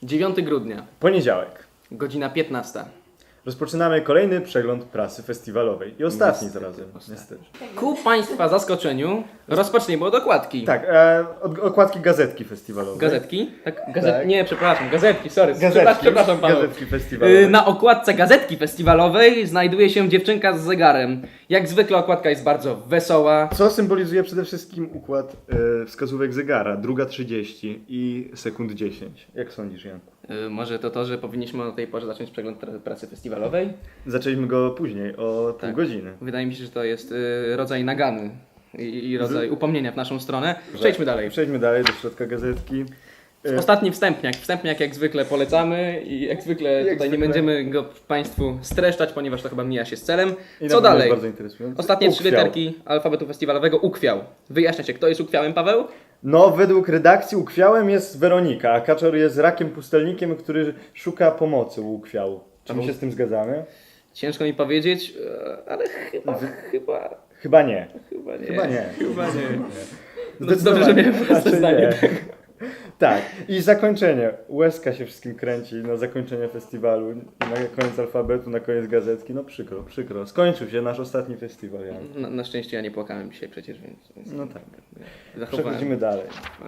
9 grudnia, Poniedziałek. godzina 15. Rozpoczynamy kolejny przegląd prasy festiwalowej. I ostatni Niestety, zarazem. ostatni. Niestety. Ku Państwa zaskoczeniu rozpoczniemy od okładki. Tak, od okładki gazetki festiwalowej. Gazetki? Tak? Tak. Nie, przepraszam, gazetki, sorry. Gazetki, Przepraszam Paweł. gazetki festiwalowej. Na okładce gazetki festiwalowej znajduje się dziewczynka z zegarem. Jak zwykle okładka jest bardzo wesoła. Co symbolizuje przede wszystkim układ wskazówek zegara, 2:30 i sekund 10. Jak sądzisz, Janku? Może to, że powinniśmy o tej porze zacząć przegląd pracy festiwalowej? Zaczęliśmy go później, o pół godziny. Wydaje mi się, że to jest rodzaj nagany i rodzaj upomnienia w naszą stronę. Przejdźmy dalej. Przejdźmy dalej do środka gazetki. Ostatni wstępniak. Wstępniak jak zwykle polecamy i jak zwykle tutaj nie będziemy go Państwu streszczać, ponieważ to chyba mija się z celem. I Co na pewno dalej? jest bardzo interesujące. Ostatnie 3 Ukwiał. literki alfabetu festiwalowego. Ukwiał. Wyjaśniacie, kto jest ukwiałem, Paweł? No, według redakcji ukwiałem jest Weronika, a Kaczor jest rakiem pustelnikiem, który szuka pomocy u ukwiału. Czy my się z tym zgadzamy? Ciężko mi powiedzieć, ale chyba Chyba nie. nie. Chyba nie. Chyba nie. No, Zdecydowanie. dobrze, że miałem proste Raczej zdanie. nie. Tak. I zakończenie. Łezka się wszystkim kręci na zakończenie festiwalu, na koniec alfabetu, na koniec gazetki. No przykro, przykro. Skończył się nasz ostatni festiwal. Jan. Na szczęście ja nie płakałem dzisiaj przecież, więc No tak. zachowałem. Przechodzimy dalej.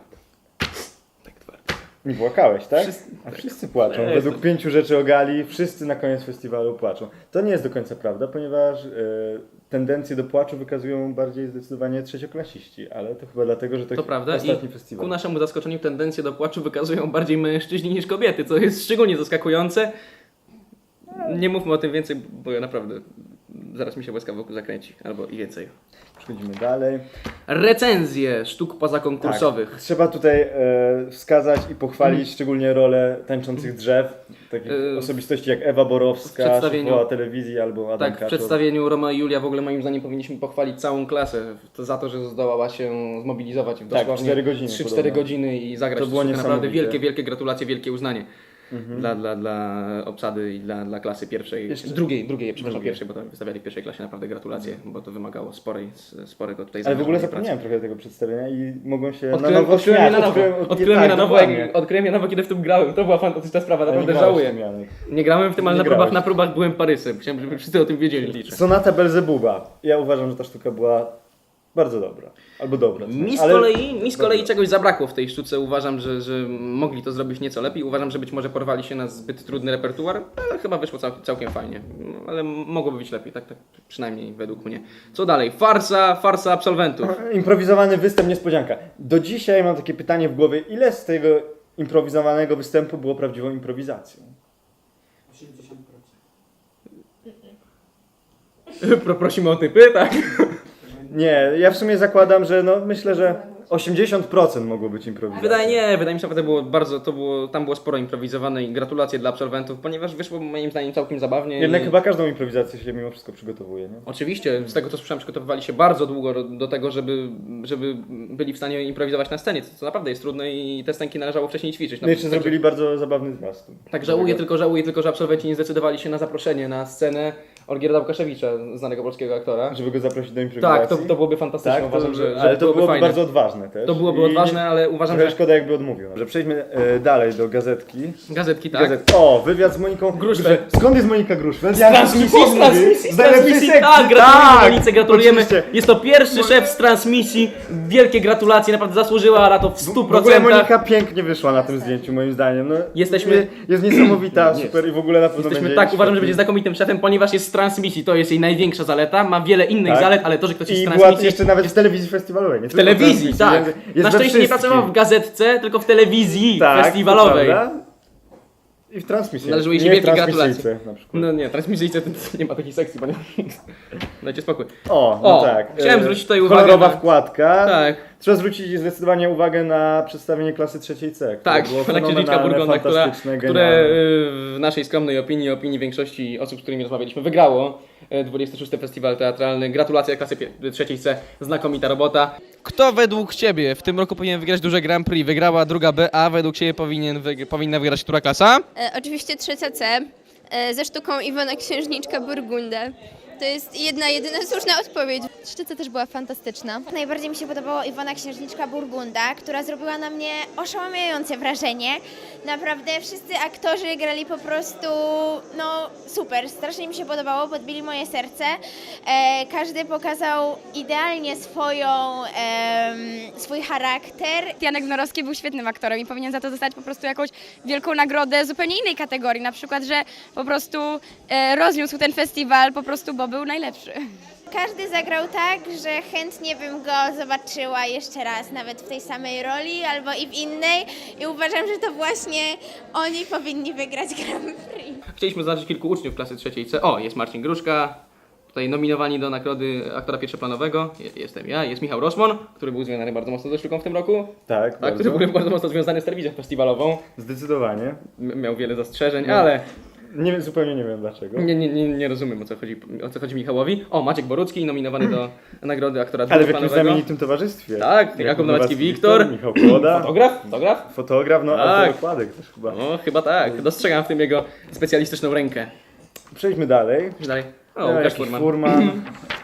Tak twardo. Nie płakałeś, tak? Wszyscy- A wszyscy płaczą. Ja Według jestem- 5 rzeczy o gali, wszyscy na koniec festiwalu płaczą. To nie jest do końca prawda, ponieważ tendencje do płaczu wykazują bardziej zdecydowanie trzecioklasiści, ale to chyba dlatego, że To prawda ostatni i festiwal. ku naszemu zaskoczeniu tendencje do płaczu wykazują bardziej mężczyźni niż kobiety, co jest szczególnie zaskakujące. Nie mówmy o tym więcej, bo ja naprawdę zaraz mi się łezka wokół zakręci, albo i więcej. Przechodzimy dalej. Recenzje sztuk pozakonkursowych. Tak. Trzeba tutaj wskazać i pochwalić szczególnie rolę tańczących drzew, takich osobistości jak Ewa w Borowska, przedstawieniu- szefowa telewizji albo Adam Tak, w Kaczor. przedstawieniu Roma i Julia w ogóle moim zdaniem powinniśmy pochwalić całą klasę za to, że zdołała się zmobilizować w Tak, dosłownie 4 godziny 3-4 podobno. godziny i zagrać To było sztukę. Naprawdę niesamowite. wielkie gratulacje, wielkie uznanie. Dla obsady i dla klasy pierwszej, Jeszcze- drugiej, przepraszam, Drugiej. pierwszej, bo to wystawiali w pierwszej klasie, naprawdę gratulacje, bo to wymagało sporego tutaj Ale w ogóle zaangażowania zapomniałem trochę tego przedstawienia i mogłem się pracy. na nowo Odkryłem je na śmiać. nowo, odkryłem je na nowo, dokładnie. odkryłem je na nowo, kiedy w tym grałem, to była fantastyczna sprawa, Ja nie naprawdę grałem w żałuję. tym, Janek. Nie grałem w tym, ale Nie na grałeś. próbach byłem Parysem, chciałem, żeby wszyscy o tym wiedzieli, liczę. Sonata Belzebuba. Ja uważam, że ta sztuka była bardzo dobra. Albo dobra. Mi z ale- kolei czegoś zabrakło w tej sztuce. Uważam, że mogli to zrobić nieco lepiej. Uważam, że być może porwali się na zbyt trudny repertuar, ale chyba wyszło całkiem fajnie. Ale mogłoby być lepiej, tak przynajmniej według mnie. Co dalej? Farsa absolwentów. Improwizowany występ, niespodzianka. Do dzisiaj mam takie pytanie w głowie, ile z tego improwizowanego występu było prawdziwą improwizacją? 80%. Prosimy o typy, tak? Nie, ja w sumie zakładam, że myślę, że 80% mogło być improwizacją. Wydaje mi się, że tam było sporo improwizowane i gratulacje dla absolwentów, ponieważ wyszło moim zdaniem całkiem zabawnie. Jednak i... chyba każdą improwizację się mimo wszystko przygotowuje, nie? Oczywiście, z tego co słyszałem, przygotowywali się bardzo długo do tego, żeby byli w stanie improwizować na scenie, co naprawdę jest trudne i te scenki należało wcześniej ćwiczyć. No i jeszcze zrobili bardzo zabawny zwiastun. Tak, żałuję tylko, że absolwenci nie zdecydowali się na zaproszenie na scenę Olgierda Łukaszewicza, znanego polskiego aktora. Żeby go zaprosić do improwizacji. Tak, to byłoby fantastyczne, Tak, uważam, że ale to byłoby fajne. bardzo odważne też. To byłoby I odważne, ale uważam, trochę że... szkoda jakby odmówił. Że przejdźmy dalej do gazetki. Gazetki, tak? O, wywiad z Moniką Gruszwel. Skąd jest Monika Gruszwel? Z transmisji, tak, gratulujemy Monice, gratulujemy. Oczywiście. Jest to pierwszy szef z transmisji. Wielkie gratulacje, naprawdę zasłużyła na to w 100%. W ogóle Monika pięknie wyszła na tym zdjęciu moim zdaniem. No, Jesteśmy- jest niesamowita, super i w ogóle na pewno Jesteśmy, będzie tak, uważam, że świetny. będzie znakomitym szefem, ponieważ jest z transmisji. To jest jej największa zaleta. Ma wiele innych Tak. zalet, ale to, że ktoś jest I z była transmisji. jeszcze nawet w telewizji festiwalowej. Nie W telewizji, tak. Na szczęście nie pracował w gazetce, tylko w telewizji festiwalowej. Tak, to prawda. I w transmisji. Należą jej się Nie w wielkie transmisyjce gratulacje. na przykład. No nie, transmisyjce to nie ma takiej sekcji, panie. Dajcie spokój. No tak. chciałem zwrócić tutaj uwagę kolorowa na- wkładka. Tak. Trzeba zwrócić zdecydowanie uwagę na przedstawienie klasy trzeciej C. które Tak, było pana księżniczka fenomenalne, Burgonda, fantastyczne, które genialne. w naszej skromnej opinii większości osób, z którymi rozmawialiśmy, wygrało 26. Festiwal Teatralny. Gratulacje klasy trzeciej C, znakomita robota. Kto według Ciebie w tym roku powinien wygrać duże Grand Prix? Wygrała druga B, a według Ciebie powinna wygrać która klasa? Oczywiście trzecia C ze sztuką Iwona Księżniczka Burgundę. To jest jedyna słuszna odpowiedź. Szczyca też była fantastyczna. Najbardziej mi się podobała Iwona Księżniczka Burgunda, która zrobiła na mnie oszałamiające wrażenie. Naprawdę wszyscy aktorzy grali po prostu, no super, strasznie mi się podobało, podbili moje serce. Każdy pokazał idealnie swój charakter. Janek Norowski był świetnym aktorem i powinien za to dostać po prostu jakąś wielką nagrodę zupełnie innej kategorii, na przykład, że po prostu rozniósł ten festiwal po prostu, bo był najlepszy. Każdy zagrał tak, że chętnie bym go zobaczyła jeszcze raz, nawet w tej samej roli albo i w innej i uważam, że to właśnie oni powinni wygrać Grand Prix. Chcieliśmy zaznaczyć kilku uczniów klasy trzeciej C. O, jest Marcin Gruszka, tutaj nominowani do nagrody aktora pierwszoplanowego. Jestem ja, jest Michał Roszmon, który był związany bardzo mocno ze sztuką w tym roku. Tak, Tak, który był bardzo mocno związany z telewizją festiwalową. Zdecydowanie. Miał wiele zastrzeżeń, ale Zupełnie nie wiem dlaczego. nie rozumiem o co chodzi Michałowi. O, Maciek Borucki, nominowany do nagrody aktora Ale w jakimś drugoplanowego. znamienitym towarzystwie. Tak, Jakub Nowacki-Wiktor. Michał Kłoda. Fotograf? Fotograf, no Tak. autookładek też chyba. No, chyba tak. Dostrzegam w tym jego specjalistyczną rękę. Przejdźmy dalej. Dalej. O, Łukasz Jakiś Furman. Furman.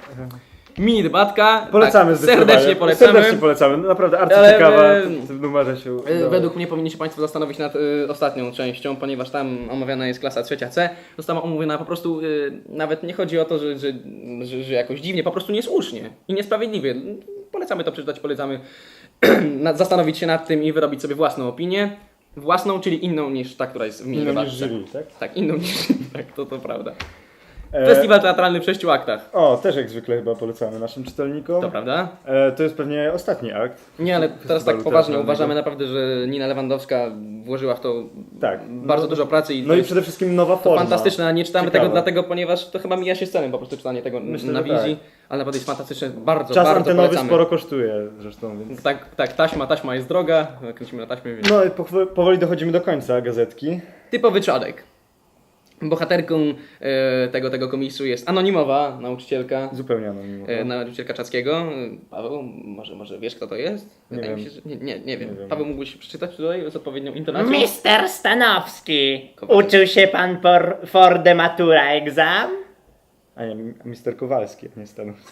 Mini debatka. Polecamy tak, zdecydowanie. serdecznie polecamy. Serdecznie polecamy. No, naprawdę Ale, arcyciekawa w numerze się udało. Według mnie powinni się Państwo zastanowić nad ostatnią częścią, ponieważ tam omawiana jest klasa trzecia C. Została omówiona po prostu, nawet nie chodzi o to, że jakoś dziwnie, po prostu niesłusznie i niesprawiedliwie. Polecamy to przeczytać, polecamy zastanowić się nad tym i wyrobić sobie własną opinię. Własną, czyli inną niż ta, która jest w mini Inną niż debatce. jury, tak? Tak, inną niż tak, to prawda. Festiwal teatralny w 6 aktach. O, też jak zwykle chyba polecamy naszym czytelnikom. To prawda? To jest pewnie ostatni akt. Nie, ale teraz tak Festiwalu poważnie teatralnego. uważamy naprawdę, że Nina Lewandowska włożyła w to Tak. bardzo dużo pracy i No to i jest przede wszystkim nowa forma. fantastyczne, a nie czytamy Ciekawe. tego dlatego, ponieważ to chyba mija się z celem po prostu czytanie tego Myślę, na że wizji, tak. ale naprawdę jest fantastyczne, bardzo, Czas bardzo antenowy polecamy. sporo kosztuje zresztą, więc... Tak, taśma jest droga, kręcimy na taśmie, więc... No i powoli dochodzimy do końca gazetki. Typowy czadek. Bohaterką tego komisu jest anonimowa nauczycielka, Zupełnie anonimowo. nauczycielka Czackiego. Paweł, może wiesz kto to jest? Nie Wydaje mi wiem. się, że nie wiem. Nie wiem. Paweł, mógłbyś przeczytać tutaj z odpowiednią intonacją? Mister Stanowski, uczył się pan for the matura exam? A nie, Mister Kowalski, a nie Stanowski.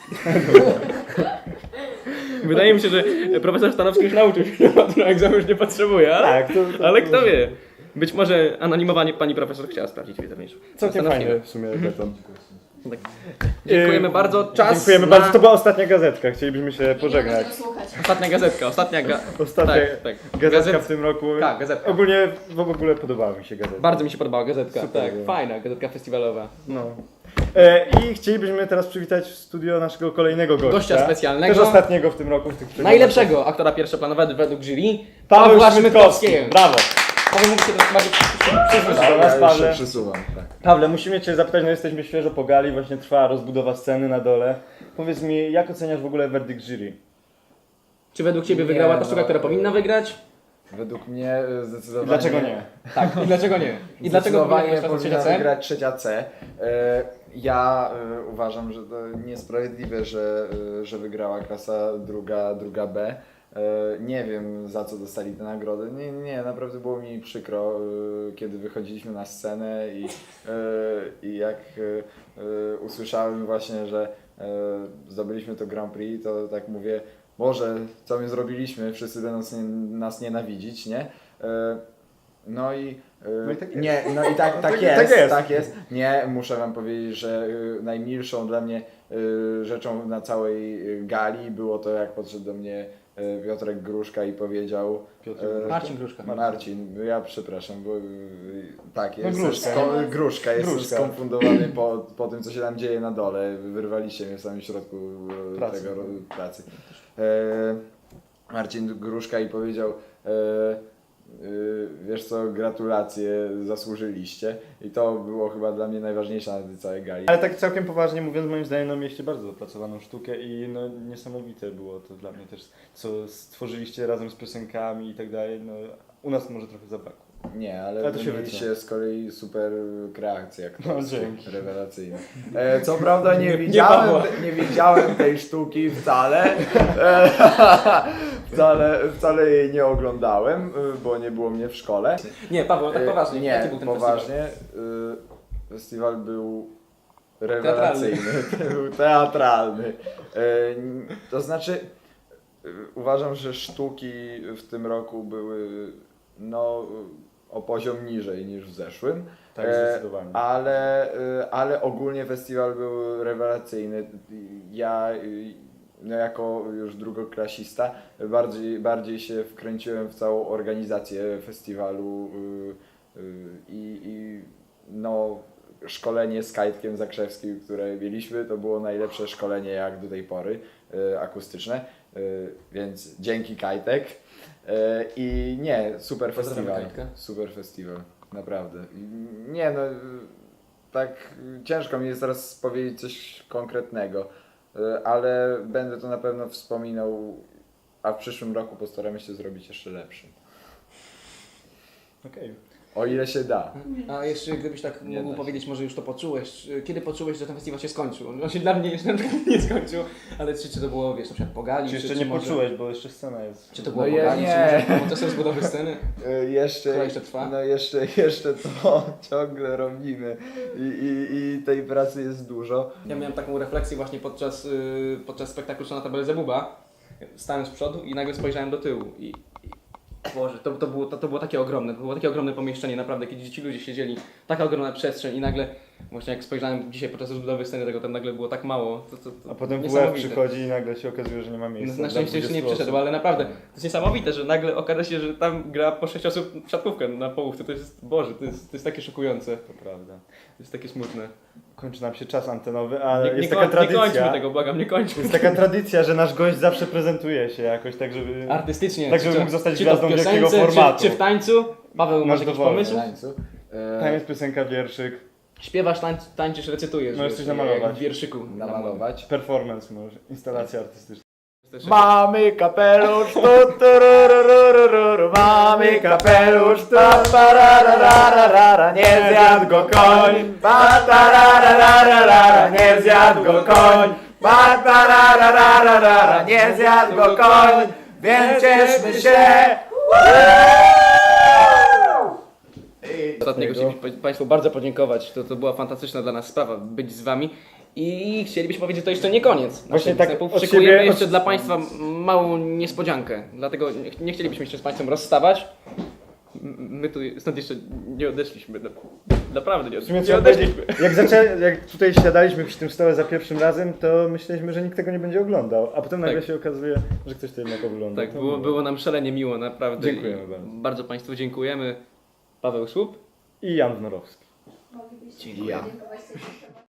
Wydaje mi się, że profesor Stanowski już nauczył się, że na egzamin już nie potrzebuje, ale, Tak, to ale kto wie. Być może anonimowanie pani profesor chciała sprawdzić wiedzę mniejszą. Całkiem Stanowskiego. fajny w sumie beton. Tak. Dziękujemy bardzo. Czas Dziękujemy na... bardzo. To była ostatnia gazetka, chcielibyśmy się pożegnać. Ostatnia gazetka, Ostatnia tak. gazetka w tym roku. Tak, gazetka. W ogóle podobała mi się gazetka. Bardzo mi się podobała gazetka. Super Tak, było. fajna gazetka festiwalowa. No. I chcielibyśmy teraz przywitać w studio naszego kolejnego gościa. Gościa specjalnego. Też ostatniego w tym roku. W tych przeglądach. Najlepszego aktora pierwszoplanowego według jury. Paweł Pawła Szmytkowski. Szmytkowskiego. Brawo. Paweł mógł się do nas bardziej Przyszłeś do nas, Pawle. Przesuwam, tak. Pawle, musimy Cię zapytać, no jesteśmy świeżo po gali, właśnie trwa rozbudowa sceny na dole. Powiedz mi, jak oceniasz w ogóle werdykt jury? Czy według Ciebie Nie, wygrała ta no, sztuka, która powinna wygrać? Według mnie zdecydowanie... I dlaczego nie? Tak, i dlaczego nie? I dlaczego Zdecydowanie powinna powinna wygrać wygrać trzecia C. Ja uważam, że to niesprawiedliwe, że wygrała klasa druga B. Nie wiem, za co dostali tę nagrodę. Nie, naprawdę było mi przykro, kiedy wychodziliśmy na scenę i jak usłyszałem właśnie, że zdobyliśmy to Grand Prix, to tak mówię, Boże, co my zrobiliśmy, wszyscy będą nas nienawidzić, nie? No i tak jest. nie, no i tak Tak jest. tak jest. Nie, muszę wam powiedzieć, że najmilszą dla mnie rzeczą na całej gali było to, jak podszedł do mnie Piotrek Gruszka i powiedział... Marcin Gruszka. Marcin, ja przepraszam, bo tak, No, jest Gruszka. jestem Gruszka. skonfundowany po tym, co się tam dzieje na dole. Wyrwaliście mnie w samym środku Pracy. tego pracy. Marcin Gruszka i powiedział, wiesz co, gratulacje, zasłużyliście. I to było chyba dla mnie najważniejsze na tej całej gali. Ale tak całkiem poważnie mówiąc, moim zdaniem, no mieliście bardzo dopracowaną sztukę i no niesamowite było to dla mnie też, co stworzyliście razem z piosenkami i tak dalej. No, u nas może trochę zabrakło. Nie, ale Ale to się mieliście z kolei super kreacje aktorskie, dzięki. rewelacyjne. Co prawda Pawła. nie widziałem tej sztuki wcale. Wcale jej nie oglądałem, bo nie było mnie w szkole. Nie, Paweł, tak poważnie. Nie, Jaki był ten poważnie. Festiwal był rewelacyjny, był teatralny. To znaczy, uważam, że sztuki w tym roku były no, o poziom niżej niż w zeszłym. Tak, zdecydowanie. Ale ogólnie festiwal był rewelacyjny. Ja no jako już drugoklasista bardziej się wkręciłem w całą organizację festiwalu i no szkolenie z Kajtkiem Zakrzewskim, które mieliśmy, to było najlepsze szkolenie jak do tej pory akustyczne, więc dzięki Kajtek. I nie, super Pozdrawiam festiwal. Kajtka. Super festiwal, naprawdę. Nie no, tak ciężko mi jest teraz powiedzieć coś konkretnego, ale będę to na pewno wspominał, a w przyszłym roku postaramy się zrobić jeszcze lepszy. Okej. O ile się da. A jeszcze gdybyś tak Nie mógł da się. powiedzieć, może już to poczułeś, kiedy poczułeś, że ten festiwal się skończył? On się dla mnie jeszcze na przykład nie skończył, ale czy to było, wiesz, na przykład po gali, Czy jeszcze czy nie może- poczułeś, bo jeszcze scena jest. Czy to było No po ja gali, nie. czy może proces rozbudowy sceny? Jeszcze, Która jeszcze trwa? No jeszcze to ciągle robimy i tej pracy jest dużo. Ja miałem taką refleksję właśnie podczas spektaklu Sonata Belzebuba. Stałem z przodu i nagle spojrzałem do tyłu i Boże, to było takie ogromne, to było takie ogromne pomieszczenie, naprawdę, kiedy ci ludzie siedzieli, taka ogromna przestrzeń i nagle, właśnie jak spojrzałem dzisiaj podczas rozbudowy sceny, tego tam nagle było tak mało, to A potem WF niesamowite. przychodzi i nagle się okazuje, że nie ma miejsca. Na dla szczęście jeszcze nie 20 przyszedł, osób. ale naprawdę, to jest niesamowite, że nagle okaże się, że tam gra po 6 osób w siatkówkę na połówce, to jest, Boże, to jest takie szokujące, To prawda. to jest takie smutne. Kończy nam się czas antenowy, ale jest nie taka nie tradycja. kończmy tego, błagam, nie kończmy. Jest taka tradycja, że nasz gość zawsze prezentuje się jakoś tak, żeby... Artystycznie. Tak, żeby czy mógł zostać czy to w gwiazdą wielkiego piosence, formatu. Czy w tańcu? Paweł, masz jakiś dowolny. pomysł? Tańcu. Tam jest piosenka, wierszyk, Śpiewasz, tańczysz, recytujesz. Możesz wiesz, coś namalować. jak w wierszyku. Namalować. performance może, instalacja artystyczna. Mamy kapelusz, tu, turururururu, mamy kapelusz, pararararara, nie zjadł go koń, patararararara, nie zjadł go koń, patararararara, nie zjadł go koń, więc cieszmy się. Ostatniego chcielibyśmy Państwu bardzo podziękować. To była fantastyczna dla nas sprawa być z Wami. I chcielibyśmy powiedzieć, że to jeszcze nie koniec. Właśnie tak występów. od Szykujemy siebie- jeszcze dla Państwa małą niespodziankę. Dlatego nie chcielibyśmy się z Państwem rozstawać. My tu stąd jeszcze nie odeszliśmy. Naprawdę W sumie nie trzeba odeszliśmy. powiedzieć, jak tutaj siadaliśmy przy tym stole za pierwszym razem, to myśleliśmy, że nikt tego nie będzie oglądał, a potem nagle Tak. się okazuje, że ktoś to jednak ogląda. Tak, To było nam szalenie miło, naprawdę. Dziękujemy I bardzo. Bardzo Państwu dziękujemy. Paweł Słup. I Jan Wnorowski. Ja.